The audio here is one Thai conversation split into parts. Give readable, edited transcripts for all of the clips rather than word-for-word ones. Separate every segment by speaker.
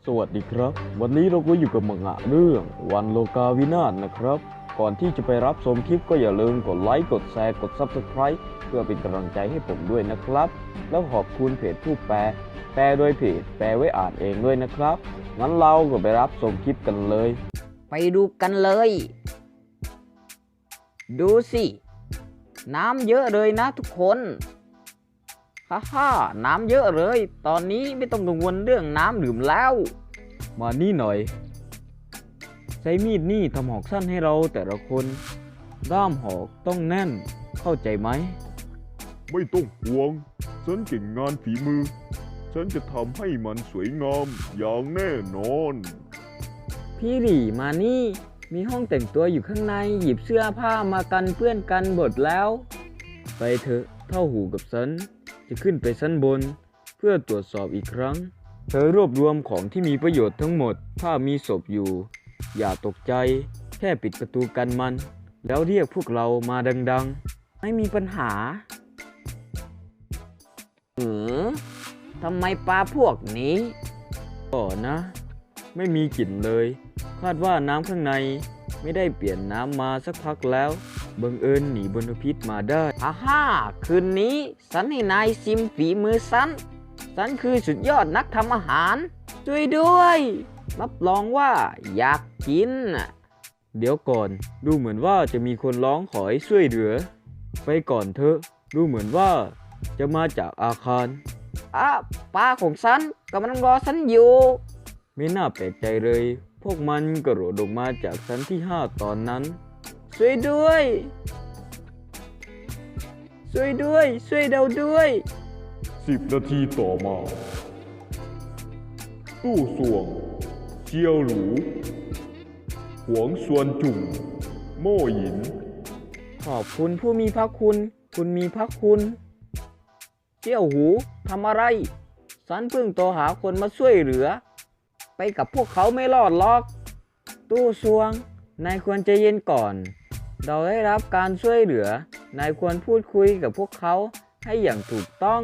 Speaker 1: วัสดีครับวันนี้เราก็อยู่กับมังงะเรื่องวันโลกาวินาศนะครับก่อนที่จะไปรับชมคลิปก็อย่าลืมกดไลค์กดแชร์กด Subscribe เพื่อเป็นกำลังใจให้ผมด้วยนะครับแล้วขอบคุณเพจผู้แปลโดยเพจแปลไว้อ่านเองด้วยนะครับงั้นเราก็ไปรับชมคลิปกันเลย
Speaker 2: ไปดูกันเลยดูสิน้ำเยอะเลยนะทุกคนฮ่าน้ำเยอะเลยตอนนี้ไม่ต้องกังวลเรื่องน้ำดื่มแล้ว
Speaker 1: มานี่หน่อยใช้มีดนี่ทำหอกสั้นให้เราแต่ละคนด้ามหอกต้องแน่นเข้าใจไหม
Speaker 3: ไม่ต้องห่วงฉันเก่งงานฝีมือฉันจะทำให้มันสวยงามอย่างแน่นอน
Speaker 2: พี่หลี่มานี่มีห้องแต่งตัวอยู่ข้างในหยิบเสื้อผ้ามากันเปื้อนกันหมดแล้ว
Speaker 1: ไปเถอะเท่าหูกับฉันจะขึ้นไปชั้นบนเพื่อตรวจสอบอีกครั้งเธอรวบรวมของที่มีประโยชน์ทั้งหมดถ้ามีศพอยู่อย่าตกใจแค่ปิดประตูกันมันแล้วเรียกพวกเรามาดังๆ
Speaker 2: ไม่มีปัญหาทำไมปลาพวกนี้
Speaker 1: ก็นะไม่มีกลิ่นเลยคาดว่าน้ำข้างในไม่ได้เปลี่ยนน้ำมาสักพักแล้วบังเอิญหนีมลพิษมาได้
Speaker 2: คืนนี้ฉันให้นายชิมฝีมือฉันคือสุดยอดนักทำอาหารช่วยด้วยรับรองว่าอยากกิน
Speaker 1: เดี๋ยวก่อนดูเหมือนว่าจะมีคนร้องขอให้ช่วยเหลือไปก่อนเถอะดูเหมือนว่าจะมาจากอาคาร
Speaker 2: ปลาของฉันกำลังรอฉันอยู่
Speaker 1: ไม่น่าแปลกใจเลยพวกมันกระโดดลงมาจากชั้นที่5ตอนนั้น
Speaker 2: ช่วยด้วยช่วยเราด้วย
Speaker 3: 10 นาทีต่อมาตู้ส่วงเจียวหรูหวงซวนจุ่มโม่หยิน
Speaker 2: ขอบคุณผู้มีพระคุณมีพระคุณเจี้ยวหูทำอะไรฉันเพิ่งโทรหาคนมาช่วยเหลือไปกับพวกเขาไม่รอดหรอกตู้ซวงนายควรใจเย็นก่อนเราได้รับการช่วยเหลือนายควรพูดคุยกับพวกเขาให้อย่างถูกต้อง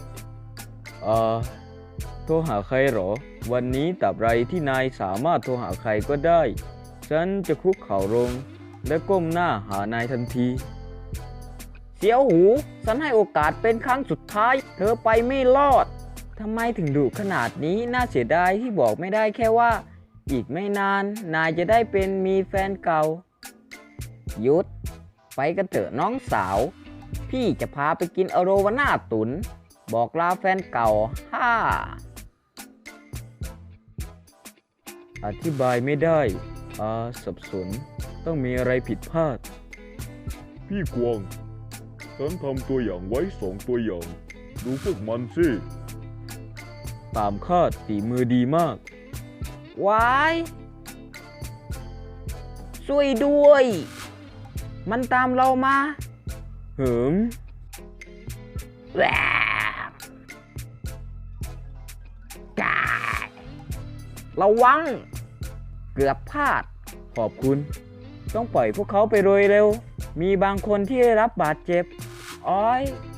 Speaker 1: โทรหาใครหรอวันนี้ตราบใดที่นายสามารถโทรหาใครก็ได้ฉันจะคุกเข่าลงและก้มหน้าหานายทันที
Speaker 2: เสียวหูฉันให้โอกาสเป็นครั้งสุดท้ายเธอไปไม่รอดทำไมถึงดุขนาดนี้น่าเสียดายที่บอกไม่ได้แค่ว่าอีกไม่นานนายจะได้เป็นมีแฟนเก่าหยุดไปกันเถอะน้องสาวพี่จะพาไปกินอโรวาน่าตุนบอกลาแฟนเก่า
Speaker 1: อธิบายไม่ได้สับสนต้องมีอะไรผิดพลาด
Speaker 3: พี่กวางฉันทำตัวอย่างไว้2 ตัวอย่างดูพวกมันสิ
Speaker 1: ตามคาดฝีมือดีมาก
Speaker 2: ว้ายช่วยด้วยมันตามเรามา
Speaker 1: เหิม
Speaker 2: ระวังเกือบพลาด
Speaker 1: ขอบคุณต้องปล่อยพวกเขาไปโดยเร็วมีบางคนที่ได้รับบาดเจ็บอ้อย